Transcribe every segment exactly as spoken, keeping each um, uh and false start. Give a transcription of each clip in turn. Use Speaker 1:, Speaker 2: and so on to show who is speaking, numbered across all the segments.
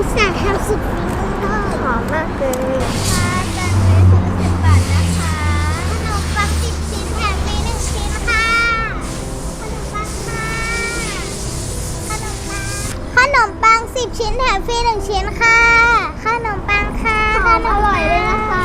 Speaker 1: อุตส่าห์ทำสุดฝีมือเลยหอมมากเลยค่ะจันเลยชุดละสิบบาทนะคะขนมปังสิบชิ้นแถมฟรีหนึ่งชิ้นค่ะขนมปังค่ะขนมปังขนมปังสิบชิ้นแถมฟรีหนึ่งชิ้นค่ะขนมปังค่ะขนมอร่อยเลยนะคะ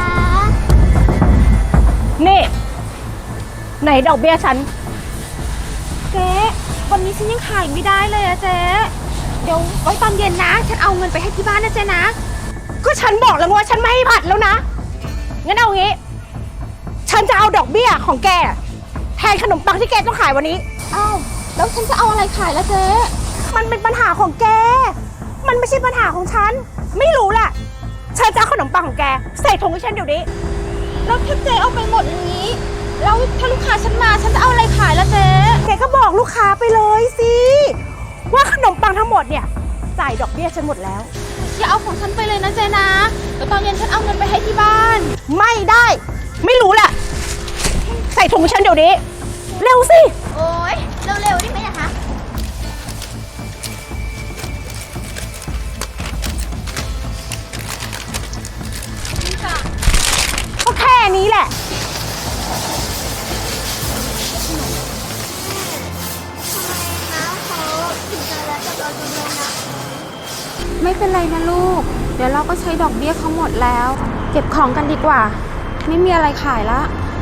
Speaker 2: นี่ไหนดอกเบี้ยฉัน
Speaker 3: เจ๊วันนี้ฉันยังขายไม่ได้เลยอะเจ๊เดี๋ยวไว้ตอนเย็นนะฉันเอาเงินไปให้ที่บ้านนะเจ๊นะ
Speaker 2: ก็ฉันบอกแล้วว่าฉันไม่ให้ผัดแล้วนะงั้นเอางี้ฉันจะเอาดอกเบี้ยของแกแทนขนมปังที่แกต้องขายวันนี้
Speaker 3: อ้าวแล้วฉันจะเอาอะไรขายล่ะเจ๊
Speaker 2: มันเป็นปัญหาของแกมันไม่ใช่ปัญหาของฉันไม่รู้แหละฉันจะเอาขนมปังของแกใส่ถุงให้ฉันเดี๋ยวนี้
Speaker 3: แล้วถ้าเจ๊เอาไปหมดอย่างนี้แล้วถ้าลูกค้าฉันมาฉันจะเอาอะไรขายล่ะเจ๊
Speaker 2: แกก็บอกลูกค้าไปเลยสิว่าขนมปังทั้งหมดเนี่ยจ่ายดอกเบี้ยฉันหมดแล้ว
Speaker 3: อย่าเอาของฉันไปเลยนะเจ๊นะเดี๋ยวตอนเย็นฉันเอาเงินไปให้ที่บ้าน
Speaker 2: ไม่ได้ไม่รู้แหละใส่ถุงฉันเดี๋ยวนี้เร็วสิ
Speaker 1: โอ๊ยเร็วๆได้ไหมนะคะ
Speaker 2: ก็แค่นี้แหละ
Speaker 3: ไม่เป็นไรนะลูกเดี๋ยวเราก็ใช้ดอกเบี้ยเขาหมดแล้วเก็บของกันดีกว่าไม่มีอะไรขายละ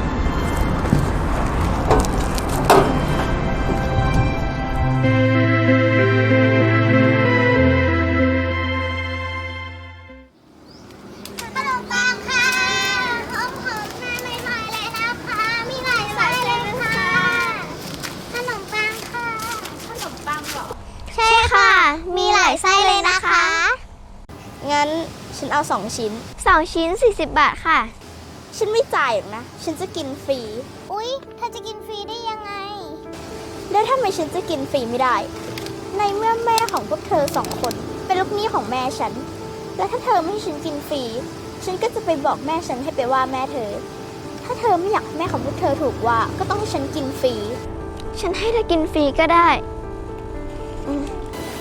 Speaker 1: ขนมปังค่ะหอมหอมหน้าใหม่ๆเลยนะคะมีหลายไส้เลยค่ะขนมปังค่ะขนมปังเหรอใช่ค่ะมีหลายไส้เลยนะคะ
Speaker 4: งั้นฉันเอาสองชิ้น
Speaker 1: สองชิ้นสี่สิบบาทค่ะ
Speaker 4: ฉันไม่จ่ายหรอกนะฉันจะกินฟรี
Speaker 1: อุ๊ยเธอจะกินฟรีได้ยังไง
Speaker 4: แล้วทำไมฉันจะกินฟรีไม่ได้ในเมื่อแม่ของพวกเธอสองคนเป็นลูกหนี้ของแม่ฉันและถ้าเธอไม่ให้ฉันกินฟรีฉันก็จะไปบอกแม่ฉันให้ไปว่าแม่เธอถ้าเธอไม่อยากแม่ของพวกเธอถูกว่าก็ต้องให้ฉันกินฟรี
Speaker 1: ฉันให้เธอกินฟรีก็ได้อืม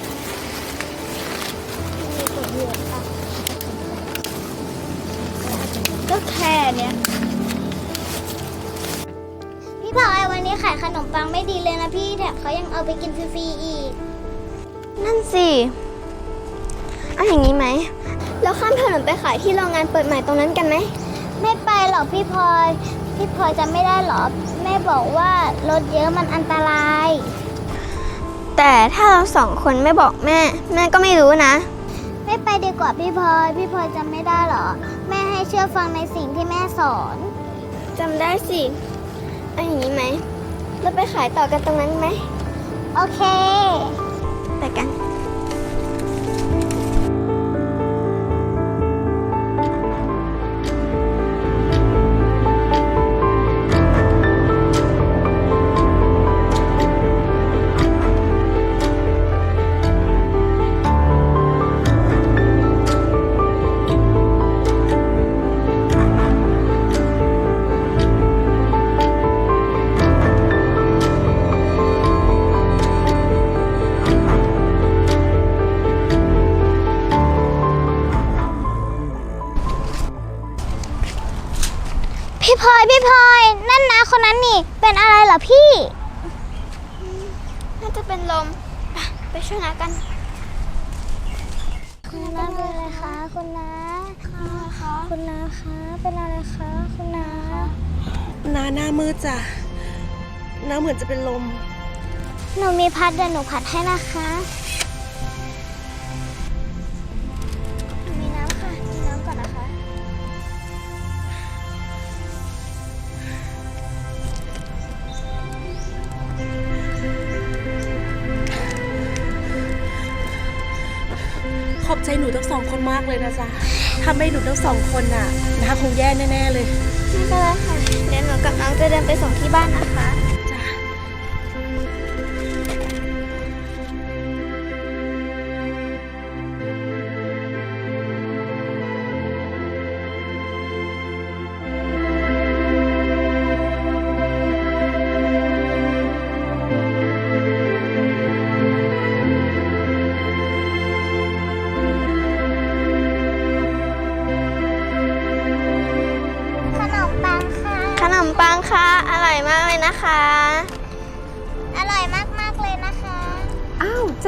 Speaker 4: ก็แค่เนี้ย
Speaker 1: พี่พลอยวันนี้ขายขนมปังไม่ดีเลยนะพี่แถมเขายังเอาไปกินฟรีๆอีก
Speaker 4: นั่นสิเอาอย่างนี้ไหมแล้วข้ามถนนไปขายที่โรงงานเปิดใหม่ตรงนั้นกันไหม
Speaker 1: ไม่ไปหรอกพี่พลอยพี่พลอยจะไม่ได้หรอแม่บอกว่ารถเยอะมันอันตราย
Speaker 4: แต่ถ้าเราสองคนไม่บอกแม่แม่ก็ไม่รู้นะ
Speaker 1: ไม่ไปดีกว่าพี่พลอยพี่พลอยจำไม่ได้หรอแม่ให้เชื่อฟังในสิ่งที่แม่สอน
Speaker 4: จำได้สิเอาอย่างนี้ไหมเราไปขายต่อกันตรงนั้นไหม
Speaker 1: โอเค
Speaker 4: ไปกัน
Speaker 1: พี่พลอยพี่พลอยนั่นนะคนนั้นนี่เป็นอะไรเหรอพี่
Speaker 4: น่าจะเป็นลมไปช่วยน้ากัน
Speaker 1: คุณน้าเป็นอะไรคะคุณน้าค่ะคุณน้าคะเป็นอะไรคะคุณน้า
Speaker 2: น้าหน้ามืดจ้ะน้าเหมือนจะเป็นลม
Speaker 1: หนูมีพัดเดี๋ยวหนูพัดให้นะคะ
Speaker 4: มีน้ำค่ะมีน้ำก่อนนะคะ
Speaker 2: ขอบใจหนูทั้งสองคนมากเลยนะจ๊ะถ้าไม่หนูทั้งสองคนน่ะน้าคงแย่แน่ๆเลย
Speaker 4: ไม่เป็นไรค่ะเดี๋ยวหนูกับน้องจะเดินไปส่งที่บ้านนะคะ
Speaker 2: จ้ะ
Speaker 1: พขนมปังค่ะ อร่อยมากเลยนะคะ อร่อยมากๆเลยนะคะ
Speaker 3: อ้าวเจ๊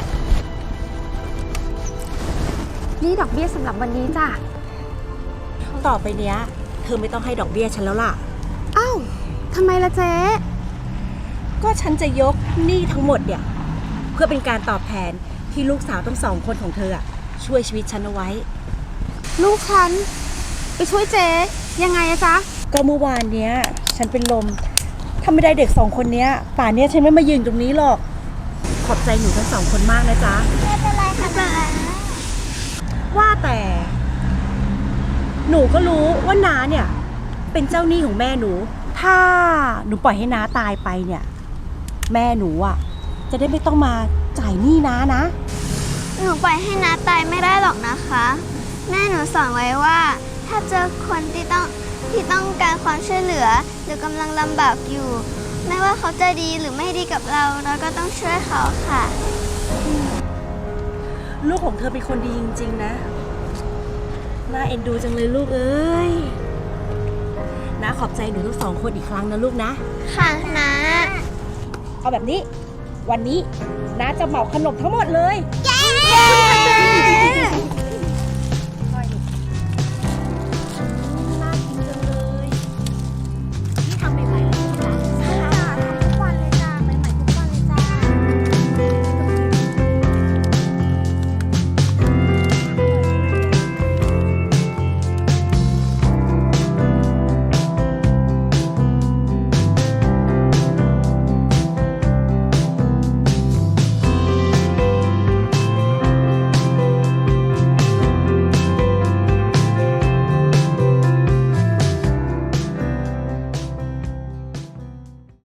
Speaker 3: นี่ดอกเบี้ยสำหรับวันนี้จ้ะ
Speaker 2: ต่อไปเนี้ยเธอไม่ต้องให้ดอกเบี้ยฉันแล้วล่ะ
Speaker 3: อ้าวทำไมล่ะเจ๊
Speaker 2: ก็ฉันจะยกหนี้ทั้งหมดเนี่ยเพื่อเป็นการตอบแทนที่ลูกสาวทั้งสองคนของเธออะช่วยชีวิตฉันเอาไว้
Speaker 3: ลูกฉัน ไปช่วยเจ๊ยังไงอะจ๊ะ
Speaker 2: ก็เมื่อวานเนี้ยฉันเป็นลมถ้าไม่ได้เด็กสองคนเนี้ยป่านเนี้ยฉันไม่มายืนตรงนี้หรอก ขอบใจหนูทั้งสองคนมากนะจ๊ะ
Speaker 1: ไม่เป็นไรค่ะ
Speaker 2: ว่าแต่ หนูก็รู้ว่าน้าเนี่ย เป็นเจ้าหนี้ของแม่หนู ถ้าหนูปล่อยให้น้าตายไปเนี่ย แม่หนูอ่ะ จะได้ไม่ต้องมาจ่ายหนี้น้านะ
Speaker 1: หนูปล่อยให้น้าตายไม่ได้หรอกนะคะ แม่หนูสอนไว้ว่า ถ้าเจอคนที่ต้องที่ต้องการความช่วยเหลือ หรือกำลังลำบากอยู่ ไม่ว่าเขาจะดีหรือไม่ดีกับเรา เราก็ต้องช่วยเขาค่ะ
Speaker 2: ลูกของเธอเป็นคนดีจริงๆนะ น่าเอ็นดูจังเลยลูกเอ้ยน้าขอบใจหนูทั้งสองคนอีกครั้งนะลูกนะ
Speaker 1: ค่ะน้า
Speaker 2: เอาแบบนี้ วันนี้น้าจะเหมาขนมทั้งหมดเลย
Speaker 1: เย้